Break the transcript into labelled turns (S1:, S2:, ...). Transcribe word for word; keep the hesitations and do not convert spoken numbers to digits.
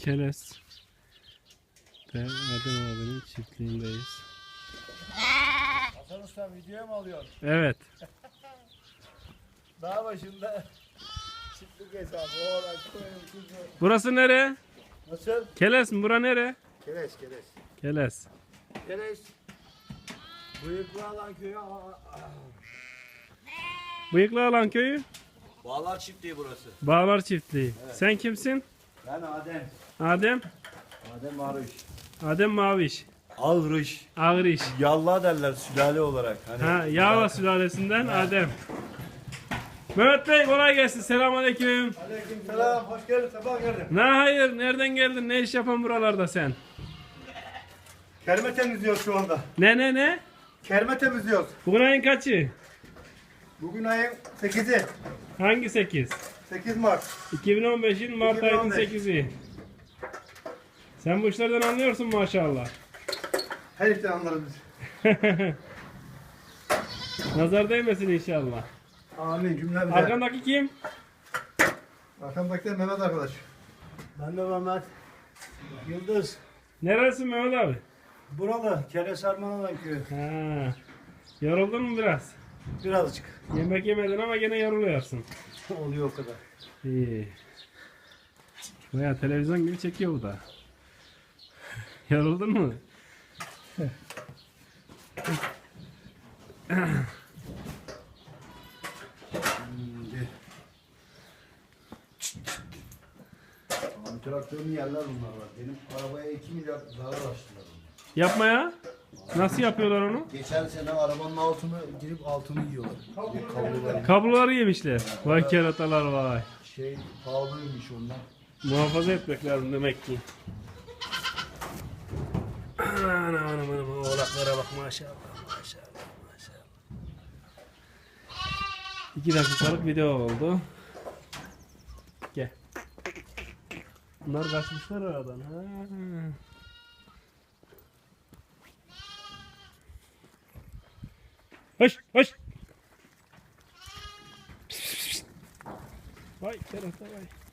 S1: Keles ve Adem abinin çiftliğindeyiz.
S2: Hasan Usta videoya mı alıyorsun?
S1: Evet.
S2: Dağ başında çiftlik hesabı. Oğlan, koyun, kuzu.
S1: Burası nere?
S2: Nasıl?
S1: Keles mi? Bura nere?
S2: Kereş, kereş.
S1: Keles.
S2: Kereş. Bıyıklı alan köyü. aa, aa.
S1: Bıyıklı Alan köyü.
S3: Bağlar çiftliği burası.
S1: Bağlar çiftliği. Sen kimsin?
S2: Ben Adem.
S1: Adem.
S2: Adem Arış.
S1: Adem Maviş.
S2: Ağrış.
S1: Ağriş.
S2: Yalla derler sülale olarak. Hani
S1: Ha, Yağla sülalesinden Adem. Mehmet Bey kolay gelsin. Selamünaleyküm.
S2: Aleyküm selam. Hoş geldin. Sabah geldin.
S1: Ne hayır? Nereden geldin? Ne iş yapan buralarda sen?
S2: Kerme temizliyoruz şu anda.
S1: Ne ne ne?
S2: Kerme temizliyoruz.
S1: Bugün ayın kaçı?
S2: Bugün ayın sekizi.
S1: Hangi sekiz?
S2: sekiz Mart.
S1: iki bin on beşin Mart
S2: iki bin on
S1: ayının
S2: beş.
S1: sekizi. Sen bu işlerden anlıyorsun maşallah.
S2: Her işten anlarız biz.
S1: Nazar değmesin inşallah.
S2: Amin cümlemize.
S1: Arkandaki kim?
S2: Arkamdaki de Mehmet arkadaş. Ben de Mehmet. Yıldız.
S1: Neresi Mehmet abi?
S2: Buralı. Keres Armanadan köyü.
S1: Ha. Yoruldun mu biraz?
S2: Birazcık.
S1: Yemek yemedin ama gene yoruluyorsun.
S2: Oluyor o kadar.
S1: İyi. Baya televizyon gibi çekiyor bu da. Yoruldun mu?
S2: Şimdi. Abi traktörün yerler bunlar var. Benim arabaya iki milyar zarar açtılar.
S1: Yapma ya. Nasıl yapıyorlar onu?
S2: Geçen sene arabanın altını girip altını yiyorlar. Bir kablolar.
S1: Kabloları yemişler. Vay keratalar vay.
S2: Şey pahalıymış ondan.
S1: Muhafaza etmek lazım demek ki. Anam anam anam oğlaklara bak maşallah maşallah maşallah. İki dakikalık video oldu. Gel. Bunlar kaçmışlar aradan. Ha. Hoş hoş. Vay kerata vay.